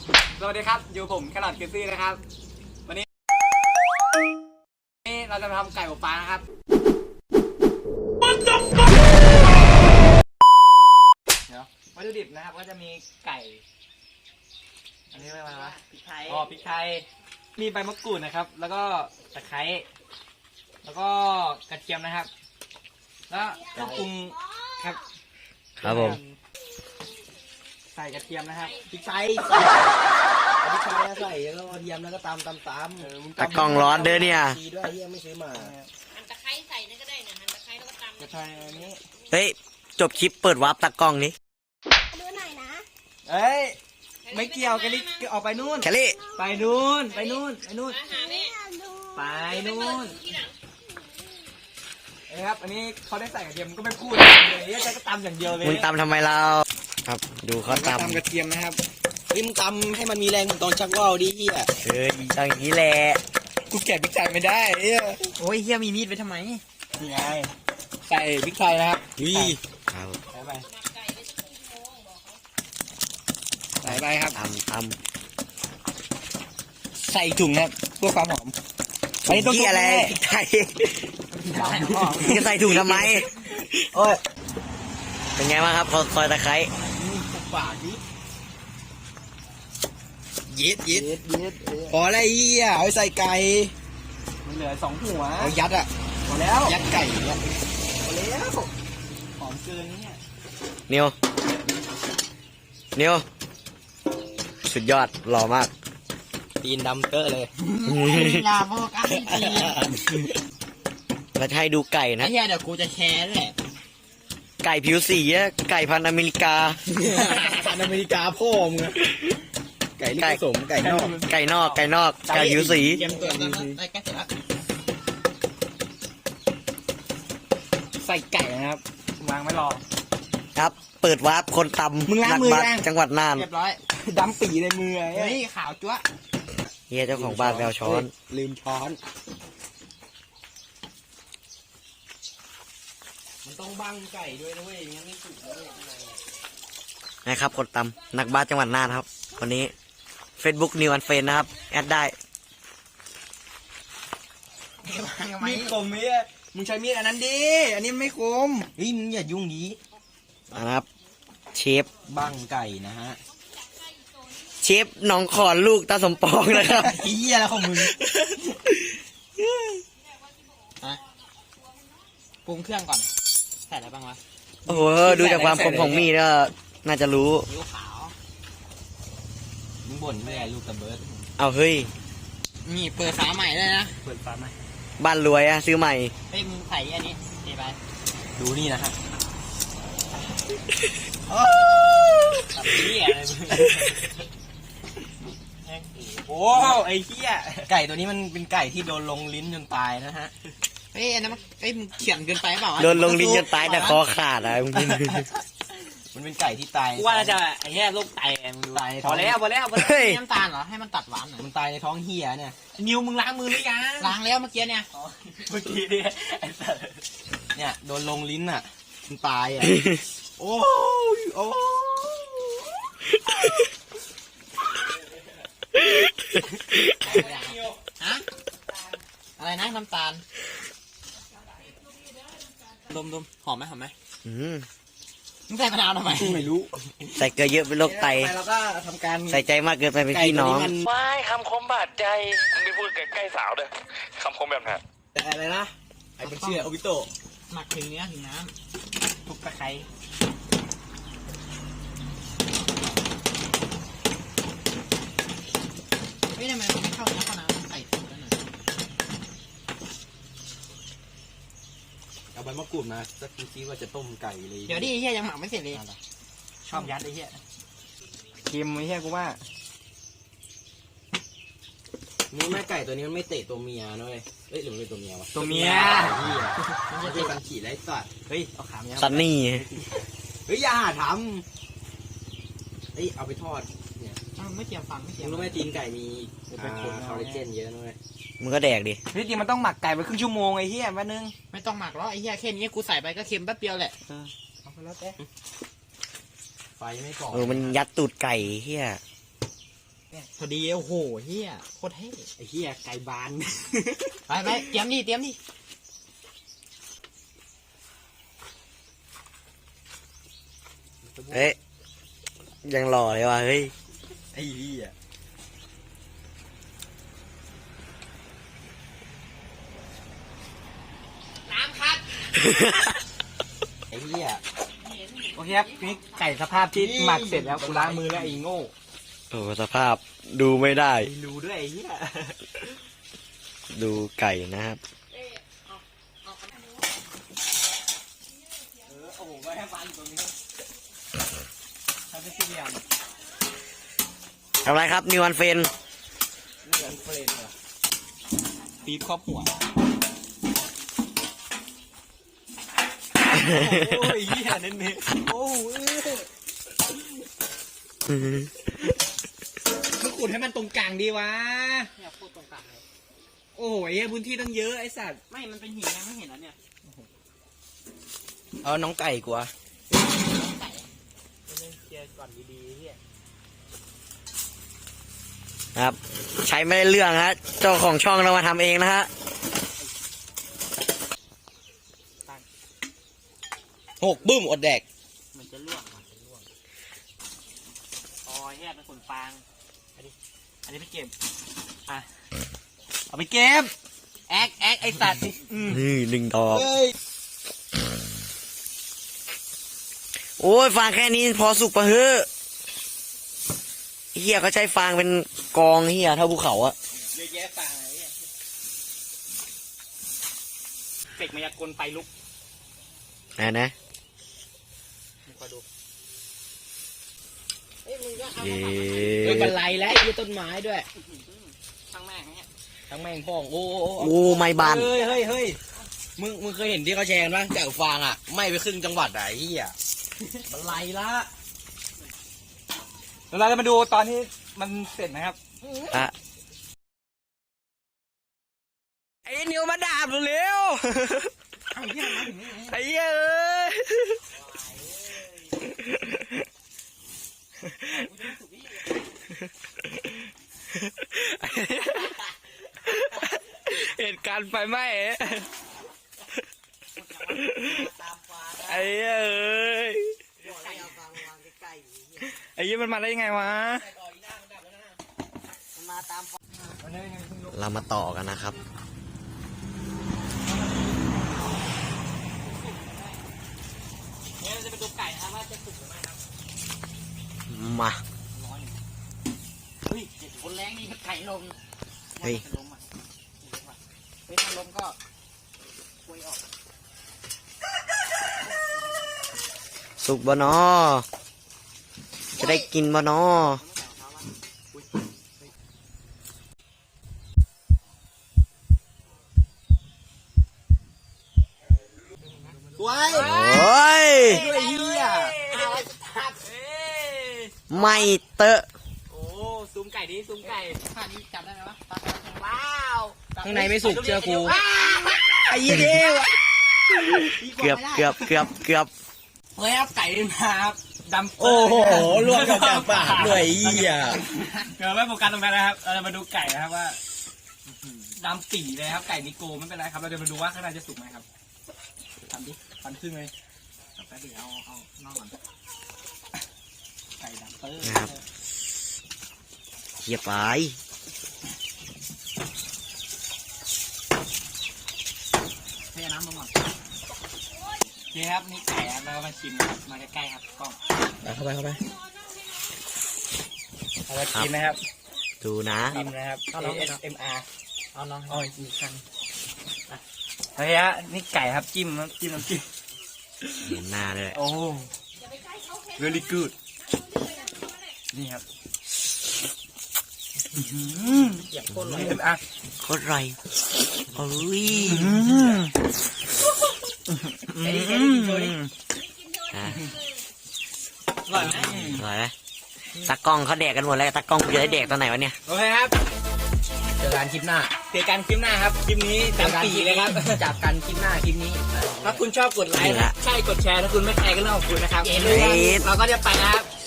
สวัสดีครับอยู่ผมแครอทคิสซี่นะครับวันนี้เราจะมาทำไก่อบฟางนะครับเดี๋ยววัตถุดิบนะครับก็จะมีไก่อันนี้อะไรวะพริกไทยพริกไทยมีใบมะกรูดนะครับแล้วก็ตะไคร้แล้วก็กระเทียมนะครับแล้วเครื่องปรุงครับครับผมใส่กระเทียมนะครับพริกไทยใส่แล้วก็กระเทียมแล้วก็ตำตะกล้องร้อนเด้อเนี่ยดีด้วยเฮียไม่ซื้อมาหั่นตะไคร้ใส่นี่ก็ได้นะหั่นตะไคร้แล้วก็ตำกระเทียมอันนี้เฮ้ยจบคลิปเปิดวาร์ปตะกล้องนี้ดูหน่อยนะเอ้ยไม่เกี่ยวกันนี่ออกไปนู่นแคลรี่ไปนู่นไปนู่นมาหาแม่ไปนู่นเอ้ครับอันนี้เขาได้ใส่กระเทียมก็ไม่พูดเลยจะก็ตำอย่างเดียวเลยมึงตำทำไมเราครับดูเขาตำกระเทียมนะครับริมตำให้มันมีแรงตอนชักว่าวดิเฮียอย่างนี้แหละกูแกะพริกไทยไม่ได้โอ้ยเฮียมีมีดไปทำไมนี่ไงใส่พริกไทยนะครับครับใส่ไปครับตใส่ถุงครับเพื่อความหอมอันนี้ต้องอะไรพริกไทยจะใส่ถุงทำไมโอ้ยเป็นไงบ้างครับซอยตะไคร้ปากดิเย็ดพออะไรเฮียเอาใส่ไก่มันเหลือ2 หัวเอายัดอ่ะพอแล้วยัดไก่เนี่ยพอแล้วหอมเกินเนี่ยนิวสุดยอดหล่อมากตีนดำเตอะเลยอย่าโฟกัสที่ตีนแล้วให้ดูไก่นะไอ้เหี้ยเดี๋ยวกูจะแชร์ด้วยไก่ผิวสีไก่พันธุ์อเมริกาพันธุ์อเมริกาพ่อมึงไก่ลูกผสมไก่นอกไก่ผิวสีเกมตัวนั้นได้แค่เสร็จแล้วใส่ไก่นะครับวางไม่รอครับเปิดวาร์ปคนตำมึงล้างมือยังจังหวัดน่านเรียบร้อยดำปีในมือเฮ้ยขาวจั๊วเฮียเจ้าของบ้านแววช้อนลืมช้อนมันต้องบังไก่ด้วยนะเว้ยงั้นไม่สุกเลยนะครับคนตำนักบ้านจังหวัดน่านครับวันนี้ Facebook New and Friend นะครับแอดได้มีดคมมีดมึงใช้มีดอันนั้นดิอันนี้ไม่คมเฮ้ยมึงอย่ายุ่งดีนะครับเชฟบังไก่นะฮะเชฟน้องขอนลูกตาสมปองนะครับเฮียแล้วของมึงปรุงเครื่องก่อนใส่อะไรบ้างวะโอ้โหดูจากความคมของมีดก็น่าจะรู้ซีอิ๊วขาวมึงบ่นไม่ได้ลูกตะเบิร์ดเอาเฮ้ยนี่เปิดฝาใหม่เลยนะเปิดฝาใหม่บ้านรวยซื้อใหม่เฮ้ยมึงใส่อันนี้เทไปดูนี่นะฮะตับเหี้ยอะไรมึงโอ้ไอ้เหี้ยไก่ตัวนี้มันเป็นไก่ที่โดนลงลิ้นจนตายนะฮะเฮ้ยอันนั้นมึงเขียนเกินไปเปล่าโดนลงลิ้นจนตายแต่คอขาดอะมึงมันเป็นไก่ที่ตายว่าจะไอ้เหี้ยโรคไตมึงดูพอแล้วน้ำตาลเหรอให้มันตัดหวานหน่อยมันตายในท้องเหี้ยเนี่ยนิวมึงล้างมือหรือยังล้างแล้วเมื่อกี้เนี่ยเนี่ยโดนลงลิ้นอ่ะมันตายอ่ะโอ้ฮะอะไรนะน้ำตาลดมหอมไหมมึงใส่มะนาวทำไมไม่รู้ใส่เกลือเยอะเป็นโรคไตแล้วก็ทำการใส่ใจมากเกินไปเป็นพี่น้องไม่คำคมบาดใจไม่พูดใกล้สาวเลยคำคมแบบนั้นแต่อะไรนะไอ้เป็นเชื่อโอบิโตะหมักถึงเนื้อถึงน้ำทุกตะไคร้ไม่ทำไมมันไม่เข้าเนื้อเข้าน้ำใส่ถุงแล้วหน่อยเอาใบมะกรูดมาสักทีว่าจะต้มไก่เลยเดี๋ยวดิไอ้เหี้ยยังหมักไม่เสร็จเลยชอบยัดไอ้เหี้ยเค็มไอ้เหี้ยกูว่านี่แม่ไก่ตัวนี้มันไม่เตะตัวเมียนะเว้ยเฮ้ยหรือมันเป็นตัวเมียวะตัวเมียมันจะเป็นการขี่ไล่สัตว์เฮ้ยเอาขาเมียซันนี่เฮ้ยอย่าทำเฮ้ยเอาไปทอดเนี่ยไม่เตรียมฟังไม่เตรียมรู้ไหมตีนไก่มีคอลลาเจนเยอะนะเว้ยมึงก็แดกดิพี่จริงมันต้องหมักไก่ไปครึ่งชั่วโมงไอ้เหี้ยแป๊บนึงไม่ต้องหมักหรอกไอ้เหี้ยแค่นี้กูใส่ไปก็เค็มแป๊บเดียวแหละเอาไปแล้วแต่ไฟไม่ก่อมันยัดตูดไก่เหี้ยพอดีโอ้โหเฮียโคตรเท่ไอ้เหี้ยไก่บานไปเตรียมดิเอ๊ะยังหล่อเลยว่ะเฮ้ยไอ้เหี้ยไอ้เหี้ยโอเคครับนี่ไก่สภาพที่หมักเสร็จแล้วกูล้างมือแล้วไอ้โง่โอ้สภาพดูไม่ได้ไอ้รู้ด้วยไอ้เหี้ยดูไก่นะครับโอ้โหไม่ให้ฟันตรงนี้ทำเป็นสี่เหลี่ยมทำไรครับนิวันเฟนนี่เหมือนเฟรนเหรอปี๊บครอบหัวโอ้ยเหี้ยเน้นๆโอ้ยมึงขุดให้มันตรงกลางดีวะเนี่ยพูดตรงกลางเลยโอ้ยพื้นที่ตั้งเยอะไอ้สัตว์ไม่มันเป็นหินไงไม่เห็นแล้วเนี่ยเอาน้องไก่กูอะเคลียร์ก่อนดีๆเฮียครับ ใช้ไม่ได้เรื่องฮะเจ้าของช่องเรามาทำเองนะฮะ 6บึ้มอดแดกมันจะล่วงอ๋อเฮียเป็นขนฟางอันนี้ไปเก็บอ่ะเอาไปเก็บแอ๊กไอ้สัตว์นี่1 ดอก โอ้ยฟางแค่นี้พอสุกปะเฮ้อเฮียเขาใช้ฟางเป็นกองเฮียเท่าภูเขาอะเยอะแยะฟังอะไรเนี่ยเสกมายากลไฟลุกนะมึงคอยดูเย้เฮ้ยบันไลแล้วไอ้ต้นไม้ด้วยช่างแม่งเนี่ยทั้งแม่งพ่องโอ้โอ้ไม่บานเฮ้ยมึงเคยเห็นที่เขาแชร์กันปะแกะฟางอ่ะไหม่ไปครึ่งจังหวัดอะไอ้เหี้ยบันไลละเดี๋ยวเราจะมาดูตอนที่มันเสร็จนะครับอะไอ้นิวมาดาบเร็วไอ้เหี้ยเอ้ยเหตุการณ์ไฟไหม้ไอ้เหี้ยเอ้ยไอ้เหี้ยมันมาได้ยังไงวะ เรามาต่อกันนะครับเนี่ยเราจะไปดูไก่นะครับว่าจะสุกหรือไม่ครับมาเฮ้ยเจ็ดคนแรงนี่ไก่ลมเฮ้ยลมอ่ะเฮ้ยถ้าลมก็คุยออกสุกบ่นอจะได้กินบ่นอสวยโอ้ยไอ้เหี้ยไม่เตอะโอ้ซูมไก่ดิซูมไก่ท่านี้จับได้ไหมวะว้าวข้างในไม่สุกเชื่อกูไอ้เหี้ยเดียวเกือบเฮ้ยครับไก่มาครับดำโอ้โหล่วงกับปากด้วยไอ้เหี้ยเดี๋ยวไม่โฟกัสตรงนั้นนะครับเราจะมาดูไก่นะครับว่าดำปีเลยครับไก่นิโกไม่เป็นไรครับเราจะมาดูว่าข้างในจะสุกไหมครับทำดิฟันครึ่งเลยแป๊บเดียวเอานอกก่อนไก่ดำเตอร์นะครับเฮียไปเทน้ำลงก่อนโอเคครับนี่ไก่ครับเราก็มาชิมนะครับมาใกล้ๆครับกล้องเข้าไปเอามาชิมนะครับดูนะชิมนะครับ ASMR เอาน้องอ๋ออีกครั้งเฮ้ยฮะนี่ไก่ครับจิ้มน้ำจิ้มเห็นหน้าเลยโอ้ very good นี่ครับเหยียบก้นเลยอ่ะโคตรอร่อยโอ้ยอ่ะอร่อยไหมอร่อยไหมตากล้องเขาแดกกันหมดแล้วตากล้องกูจะได้แดกตอนไหนวะเนี่ยโอเคครับเจอกันคลิปหน้าเจอกันคลิปหน้าครับ คลิปนี้ตามปีเลยครับจับกันคลิปหน้าคลิปนี้ถ้าคุณชอบกดไลค์นี่ละใช่กดแชร์ ถ้าคุณไม่แชร์ก็เรื่องของคุณนะครับเย้เราก็จะไปนะครับ